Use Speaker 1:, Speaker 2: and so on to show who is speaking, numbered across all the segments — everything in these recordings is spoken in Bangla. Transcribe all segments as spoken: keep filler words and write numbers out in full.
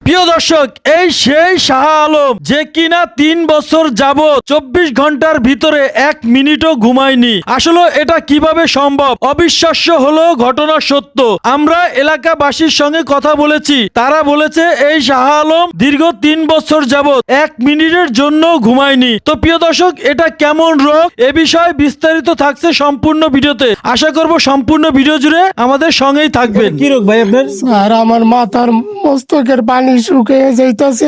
Speaker 1: প্রিয় দর্শক, এই সেই শাহ আলম যে কিনা তিন বছর যাবত চব্বিশ ঘন্টার ভিতরে এক মিনিটও ঘুমায়নি। আসলে এটা কিভাবে সম্ভব? অবিশ্বাস্য হলো ঘটনা সত্য। আমরা এলাকাবাসীর সঙ্গে কথা বলেছি, তারা বলেছে এই শাহ আলম দীর্ঘ তিন বছর যাবত এক মিনিটের জন্য ঘুমায়নি। তো প্রিয় দর্শক, এটা কেমন রোগ এ বিষয়ে বিস্তারিত থাকছে সম্পূর্ণ ভিডিওতে। আশা করব সম্পূর্ণ ভিডিও জুড়ে আমাদের সঙ্গেই থাকবেন। কি রোগ ভাই আপনার?
Speaker 2: আর আমার মাথার মস্তকের পানি শুকিয়ে যাইতেছে,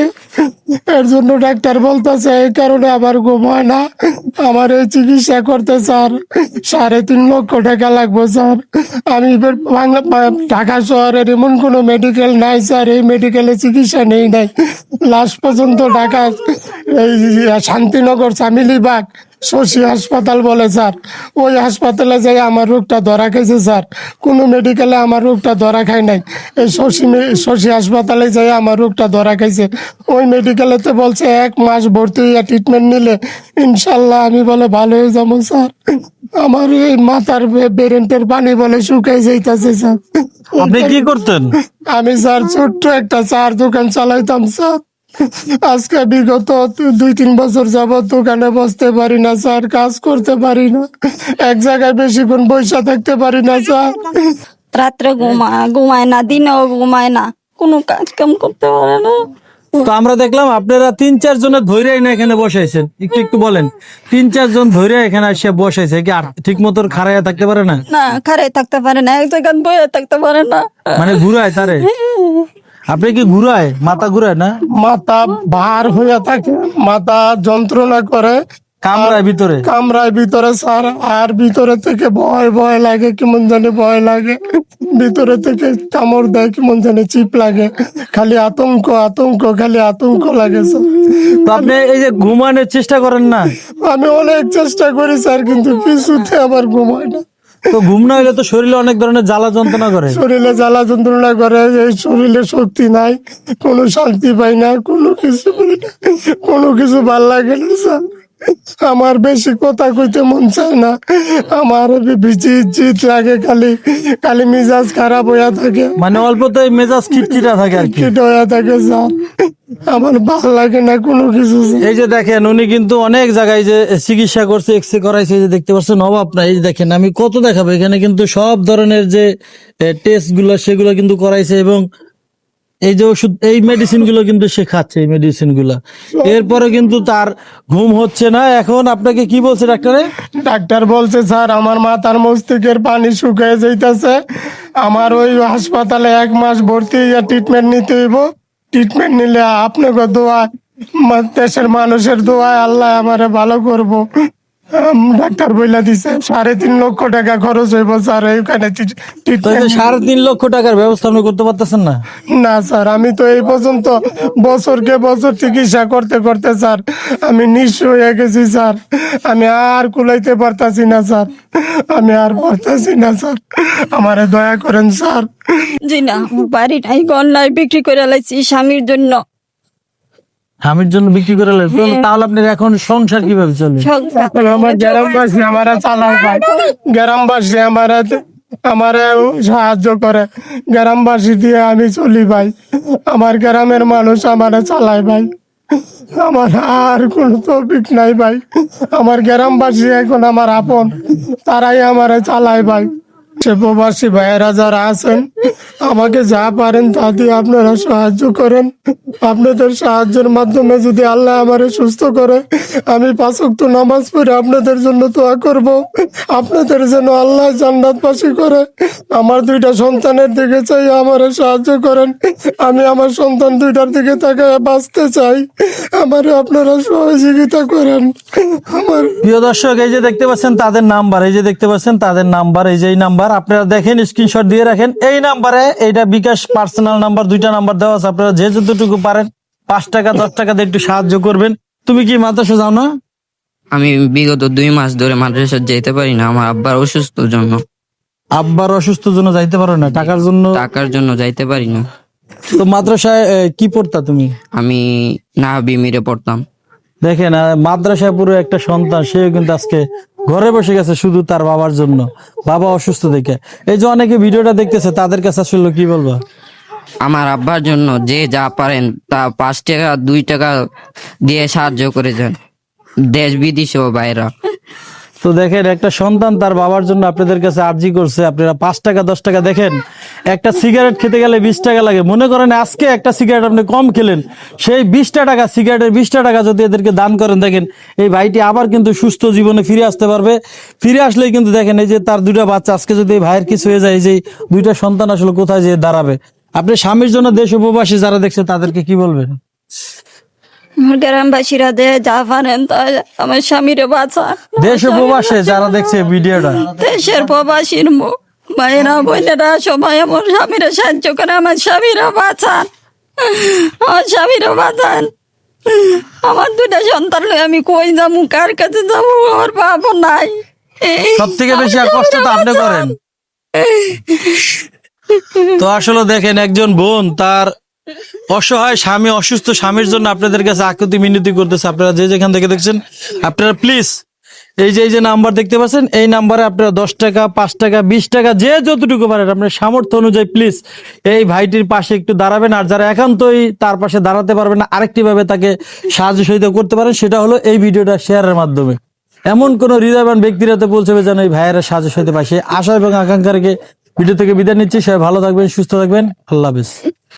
Speaker 2: এর জন্য ডাক্তার বলতেছে এই কারণে আবার ঘুম হয় না। আমার এই চিকিৎসা করতে স্যার সাড়ে তিন লক্ষ টাকা লাগবে স্যার। আমি এবার বাংলা ঢাকা শহরের এমন কোনো মেডিকেল নাই স্যার, এই মেডিকেলে চিকিৎসা নেই নাই। লাস্ট পর্যন্ত ঢাকা এই শান্তিনগর চামিলিবাগ শশী হাসপাতাল বলে স্যার, ওই হাসপাতালে যাই আমার রোগটা ধরা খাইছে স্যার। কোনো মেডিকেলে আমার রোগটা ধরা খায় নাই, এই শশী শশী হাসপাতালে যাই আমার রোগটা ধরা খাইছে। ওই মেডিকেলেতে বলছে এক মাস ভর্তি হইয়া ট্রিটমেন্ট নিলে ইনশাল্লাহ আমি বলে ভালো হয়ে যাবো স্যার। আমার এই মাথার বেরেন্টের পানি বলে শুকাই যাইতেছে স্যার।
Speaker 1: আপনি কি করতেন?
Speaker 2: আমি স্যার ছোট্ট একটা চার দোকান চালাইতাম স্যার। আজকে বিগত দুই তিন বছর যাবত দোকানে বসতে পারি না স্যার, কাজ করতে পারি না, এক জায়গায় বেশিক্ষণ বসে থাকতে পারি না স্যার।
Speaker 3: রাত্রে ঘুমা ঘুমায় না, দিনেও ঘুমায় না, কোনো কাজ কাম করতে পারে না।
Speaker 1: তো আমরা দেখলাম আপনারা তিন চার জনের ধৈর্য না এখানে বসাইছেন, একটু একটু বলেন। তিন চার জন ধৈর্য এখানে এসে বসাইছে কি আর ঠিক মতো খাড়াইয়া থাকতে পারে না?
Speaker 3: না, খারে থাকতে পারে না, এক জায়গায় বয়ে থাকতে পারে না।
Speaker 1: মানে ঘুরায় তারে? আপনি কি ঘুরায়? মাথা ঘুরায় না?
Speaker 2: মাথা ভার হইয়া থাকে, মাথা যন্ত্রণা করে,
Speaker 1: কামরায় ভিতরে?
Speaker 2: কামরায় ভিতরে স্যার। আর ভিতরে থেকে ভয় ভয় লাগে, কেমন জানি ভয় লাগে, ভিতরে থেকে কামড় দেয়, কেমন জানি চিপ লাগে, খালি আতঙ্ক আতঙ্ক খালি আতঙ্ক লাগে স্যার।
Speaker 1: তো আপনি এই যে ঘুমানোর চেষ্টা করেন না?
Speaker 2: আমি অনেক চেষ্টা করি স্যার, কিন্তু কিছুতে আমার ঘুম হয় না।
Speaker 1: তো ঘুম না হলে তো শরীরে অনেক ধরনের জ্বালা যন্ত্রণা করে।
Speaker 2: শরীরে জ্বালা যন্ত্রণা করে, এই শরীরে শক্তি নাই, কোনো শান্তি পাই না, কোনো কিছু পাই না, কোনো কিছু ভাল লাগে না স্যার। আমার বেশি কথা কইতে মন চায় না, আমার জিত জিত লাগে, খালি খালি মিজাজ খারাপ হইয়া থাকে,
Speaker 1: মানে অল্পতেই মেজাজ খিটখিটা থাকে আর কি।
Speaker 2: খিট হইয়া থাকে স্যার। আমার ভাল লাগে না কোনো কিছু স্যার।
Speaker 1: এই যে দেখেন, উনি কিন্তু অনেক জায়গায় যে চিকিৎসা করছে, এক্সরে করাইছে, এই যে দেখতে পাচ্ছেন অভাব না। এই যে দেখেন, আমি কত দেখাবো, এখানে কিন্তু সব ধরনের যে টেস্ট গুলো সেগুলো কিন্তু করাইছে, এবং এই যে ওষুধ, এই মেডিসিন গুলো কিন্তু সে খাচ্ছে, এই মেডিসিন গুলা। এরপরে কিন্তু তার ঘুম হচ্ছে না। এখন আপনাকে কি বলছে ডাক্তারে?
Speaker 2: ডাক্তার বলছে স্যার আমার মাথার মস্তিষ্কের পানি শুকিয়ে যাইতেছে, আমার ওই হাসপাতালে এক মাস ভর্তি হইয়া ট্রিটমেন্ট নিতে হইব। ট্রিটমেন্ট নিলে আপনাকে দোয়া, দেশের মানুষের দোয়ায় আল্লাহ আমারে ভালো করবো। আম, ডাক্তার বইলা দিছে সাড়ে তিন লক্ষ টাকা খরচ হইব স্যার এইখানে
Speaker 1: তো এই যে
Speaker 2: ট্রিটমেন্ট।
Speaker 1: সাড়ে তিন লক্ষ টাকার ব্যবস্থা আপনি করতে পারতেছেন না?
Speaker 2: না স্যার, আমি তো এই পর্যন্ত বছরকে বছর চিকিৎসা করতে করতে স্যার আমি নিঃস্ব হয়ে গেছি স্যার। আমি আর কুলাইতে পারতাছি না স্যার, আমি আর পারতাছি না স্যার, আমারে দয়া করেন স্যার।
Speaker 3: জি না, বাড়ি নাই, ঘর নাই, বিক্রি করে লাইছি স্বামীর জন্য।
Speaker 1: স্বামীর জন্য বিক্রি করে লাগবে? তাহলে আপনার এখন সংসার কিভাবে চলে?
Speaker 2: এখন আমার গ্রামবাসী আমারা চালায় ভাই, গ্রামবাসী আমারা আমারে সাহায্য করে, গ্রামবাসী দিয়ে আমি চলি ভাই, আমার গ্রামের মানুষ আমারে চালায় ভাই, আমার আর কোনো তৌফিক নাই ভাই। আমার গ্রামবাসী এখন আমার আপন, তারাই আমারে চালায় ভাই। সে প্রবাসী ভাইয়েরা যারা আছেন আমাকে যা পারেন তা দিয়ে আপনারা সাহায্য করেন। আপনাদের সাহায্যের মাধ্যমে যদি আল্লাহ আমারে সুস্থ করে, আমি পাঁচ ওয়াক্ত নামাজ পড়ে আপনাদের জন্য দোয়া করব, আপনাদের যেন আল্লাহ জান্নাতবাসী করে। আমার দুইটা সন্তানের দিকে চাই, আমারে সাহায্য করেন। আমি আমার সন্তান দুইটার দিকে তাকায় বাঁচতে চাই, আমারে আপনারা সহযোগিতা করেন। আমার
Speaker 1: প্রিয় দর্শক, এই যে দেখতে পাচ্ছেন তাদের নাম্বার, এই যে দেখতে পাচ্ছেন তাদের নাম্বার, এই যে এই নাম্বার আপনারা দেখেন, স্ক্রিনশট দিয়ে রাখেন। এই নাম্বারে, এইটা বিকাশ পার্সোনাল নাম্বার, দুইটা নাম্বার দেওয়া আছে। আপনারা যে যতটুকু পারেন পাঁচ টাকা দশ টাকা দিয়ে একটু সাহায্য করবেন। তুমি কি মাদ্রাসা যাও না?
Speaker 4: আমি বিগত দুই মাস ধরে মাদ্রাসা যেতে পারি না, আমার আব্বার অসুস্থর জন্য।
Speaker 1: আব্বার অসুস্থ জন্য যাইতে পারো না? টাকার জন্য?
Speaker 4: টাকার জন্য যাইতে পারি না।
Speaker 1: তো মাদ্রাসায় এ, কি পড়তা তুমি?
Speaker 4: আমি নাহাবি মিরে পড়তাম।
Speaker 1: দেখেন, আহ, মাদ্রাসায় পুরো একটা সন্তান, সে কিন্তু আজকে ঘরে বসে গেছে শুধু তার বাবার জন্য, বাবা অসুস্থ দেখে। এই যে অনেকে ভিডিওটা দেখতেছে, তাদের কাছে আসলে কি বলবো?
Speaker 4: আমার আব্বার জন্য যে যা পারেন তা পাঁচ টাকা দুই টাকা দিয়ে সাহায্য করে যান, দেশ বিদেশে ও বাইরা।
Speaker 1: তো দেখেন একটা সন্তান তার বাবার জন্য আপনাদের কাছে আর্জি করছে, আপনারা পাঁচ টাকা দশ টাকা, দেখেন একটা সিগারেট খেতে গেলে বিশ টাকা লাগে। মনে করেন আজকে একটা সিগারেট আপনি কম খেলেন, সেই বিশটা টাকা সিগারেটের বিশটা টাকা যদি এদেরকে দান করেন, দেখেন এই ভাইটি আবার কিন্তু সুস্থ জীবনে ফিরে আসতে পারবে। ফিরে আসলেই কিন্তু দেখেন এই যে তার দুইটা বাচ্চা, আজকে যদি এই ভাইয়ের কিছু হয়ে যায়, এই যে দুইটা সন্তান আসলে কোথায় যেয়ে দাঁড়াবে। আপনি স্বামীর জন্য দেশ উপবাসী যারা দেখছে তাদেরকে কি বলবেন?
Speaker 3: আমার গ্রামবাসীরা যে যা পারেন তা আমার স্বামীরে বাঁচা,
Speaker 1: দেশ উপবাসে যারা দেখছে ভিডিওটা,
Speaker 3: দেশের প্রবাসীর মু- ভাইয়েরা বোনেরা সবাই আমার স্বামীরা সাহায্য করে, আমার স্বামীরা বাঁচান, আমার স্বামীরা বাঁচান। আমার দুটা সন্তান লয়ে আমি কই যাবো, কার কাছে যাবো, আমার বাবা নাই।
Speaker 1: সব থেকে বেশি আর কষ্ট তো আপনি করেন। তো আসলে দেখেন একজন বোন তার অসহায় স্বামী, অসুস্থ স্বামীর জন্য আপনাদের কাছে আকুতি মিনতি করতেছে। আপনারা যে যেখান থেকে দেখছেন, আপনারা প্লিজ এই যে এই যে নাম্বার দেখতে পাচ্ছেন, এই নাম্বারে আপনারা দশ টাকা পাঁচ টাকা বিশ টাকা যে যতটুকু পারেন আপনার সামর্থ্য অনুযায়ী প্লিজ এই ভাইটির পাশে একটু দাঁড়াবেন। আর যারা একান্তই তার পাশে দাঁড়াতে পারবেন না, আরেকটি ভাবে তাকে সাহায্য সহযোগিতা করতে পারেন, সেটা হলো এই ভিডিওটা শেয়ারের মাধ্যমে। এমন কোন হৃদয়বান ব্যক্তিরা তো বলছে যেন এই ভাইয়েরা সাহায্য সহযোগিতা পায়, সে আশা এবং আকাঙ্ক্ষা রেখে ভিডিও থেকে বিদায় নিচ্ছি। সবাই ভালো থাকবেন, সুস্থ থাকবেন, আল্লাহ হাফেজ।